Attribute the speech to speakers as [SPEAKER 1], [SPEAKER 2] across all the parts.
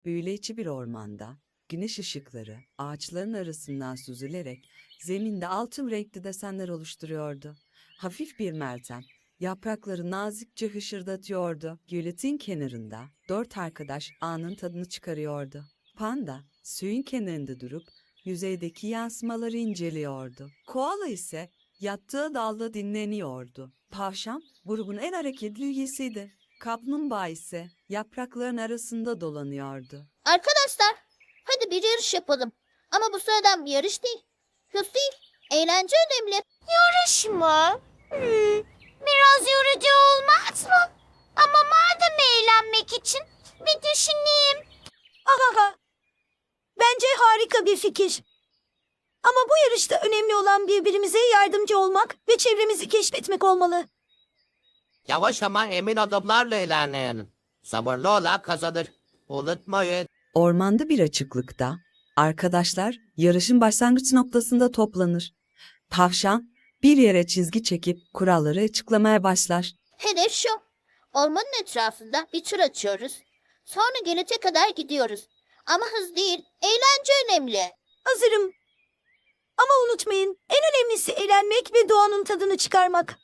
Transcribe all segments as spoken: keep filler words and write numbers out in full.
[SPEAKER 1] Büyüleyici bir ormanda, güneş ışıkları ağaçların arasından süzülerek zeminde altın renkli desenler oluşturuyordu. Hafif bir meltem, yaprakları nazikçe hışırdatıyordu. Gölün kenarında dört arkadaş anın tadını çıkarıyordu. Panda, suyun kenarında durup yüzeydeki yansımaları inceliyordu. Koala ise yattığı dalda dinleniyordu. Tavşan, grubun en hareketli üyesiydi. Kaplumbağa ise yaprakların arasında dolanıyordu.
[SPEAKER 2] Arkadaşlar, hadi bir yarış yapalım. Ama bu sıradan bir yarış değil. Hız değil, eğlence önemli.
[SPEAKER 3] Yarış mı? Hmm, biraz yorucu olmaz mı? Ama madem eğlenmek için bir düşüneyim.
[SPEAKER 4] Ahaha. Bence harika bir fikir. Ama bu yarışta önemli olan birbirimize yardımcı olmak ve çevremizi keşfetmek olmalı.
[SPEAKER 5] Yavaş ama emin adımlarla ilerleyin. Sabırlı olan kazanır. Unutmayın.
[SPEAKER 1] Ormanda bir açıklıkta arkadaşlar yarışın başlangıç noktasında toplanır. Tavşan bir yere çizgi çekip kuralları açıklamaya başlar.
[SPEAKER 2] Hedef şu. Ormanın etrafında bir tur açıyoruz. Sonra gelete kadar gidiyoruz. Ama hız değil, eğlence önemli.
[SPEAKER 4] Hazırım. Ama unutmayın, en önemlisi eğlenmek ve doğanın tadını çıkarmak.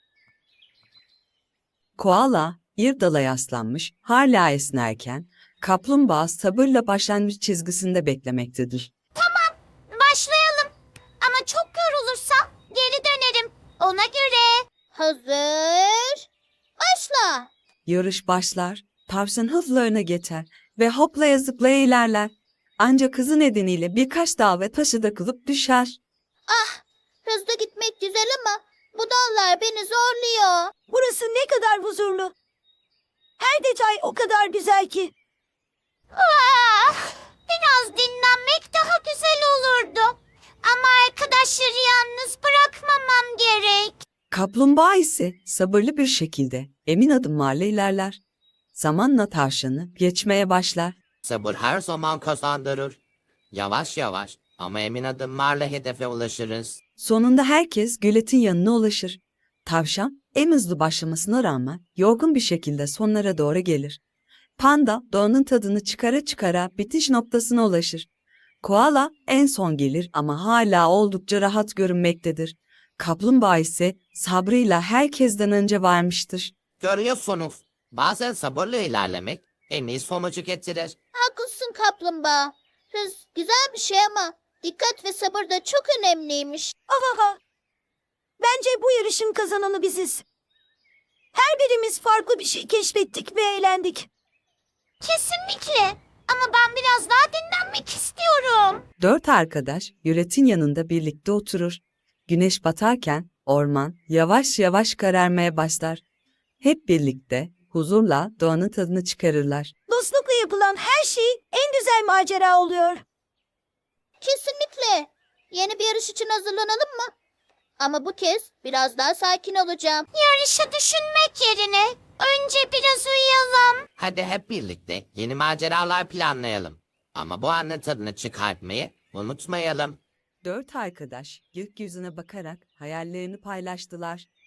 [SPEAKER 1] Koala bir dala yaslanmış hala esnerken kaplumbağa sabırla başlangıç çizgisinde beklemektedir.
[SPEAKER 3] Başlayalım. Ama çok yorulursam geri dönerim. Ona göre.
[SPEAKER 2] Hazır. Başla.
[SPEAKER 1] Yarış başlar, tavşan hızla öne geçer ve hoplaya zıplaya ilerler. Ancak hızı nedeniyle birkaç dağ ve taşı takılıp düşer.
[SPEAKER 2] Ah, hızlı gitmek güzel ama bu dallar beni zorluyor.
[SPEAKER 4] Burası ne kadar huzurlu. Her detay o kadar güzel ki.
[SPEAKER 3] Ah, biraz dinlenmek daha güzel olurdu. Ama arkadaşları yalnız bırakmamam gerek.
[SPEAKER 1] Kaplumbağa ise sabırlı bir şekilde emin adımlarla ilerler. Zamanla tavşanı geçmeye başlar.
[SPEAKER 5] Sabır her zaman kazandırır. Yavaş yavaş ama emin adımlarla hedefe ulaşırız.
[SPEAKER 1] Sonunda herkes göletin yanına ulaşır. Tavşan en hızlı başlamasına rağmen yorgun bir şekilde sonlara doğru gelir. Panda doğanın tadını çıkara çıkara bitiş noktasına ulaşır. Koala en son gelir ama hala oldukça rahat görünmektedir. Kaplumbağa ise sabrıyla herkesten önce varmıştır.
[SPEAKER 5] Görüyorsunuz. Bazen sabırla ilerlemek en iyi sonucu getirir.
[SPEAKER 2] Haklısın kaplumbağa. Hız güzel bir şey ama dikkat ve sabır da çok önemliymiş.
[SPEAKER 4] Ahaha. Bence bu yarışın kazananı biziz. Her birimiz farklı bir şey keşfettik ve eğlendik.
[SPEAKER 3] Kesinlikle. Ama ben biraz daha dinlenmek istiyorum.
[SPEAKER 1] Dört arkadaş yüretin yanında birlikte oturur. Güneş batarken orman yavaş yavaş kararmaya başlar. Hep birlikte huzurla doğanın tadını çıkarırlar.
[SPEAKER 4] Dostlukla yapılan her şey en güzel macera oluyor.
[SPEAKER 2] Kesinlikle. Yeni bir yarış için hazırlanalım mı? Ama bu kez biraz daha sakin olacağım.
[SPEAKER 3] Yarışı düşünmek yerine önce biraz uyuyalım.
[SPEAKER 5] Hadi hep birlikte yeni maceralar planlayalım. Ama bu anın tadını çıkartmayı unutmayalım.
[SPEAKER 1] Dört arkadaş gökyüzüne bakarak hayallerini paylaştılar.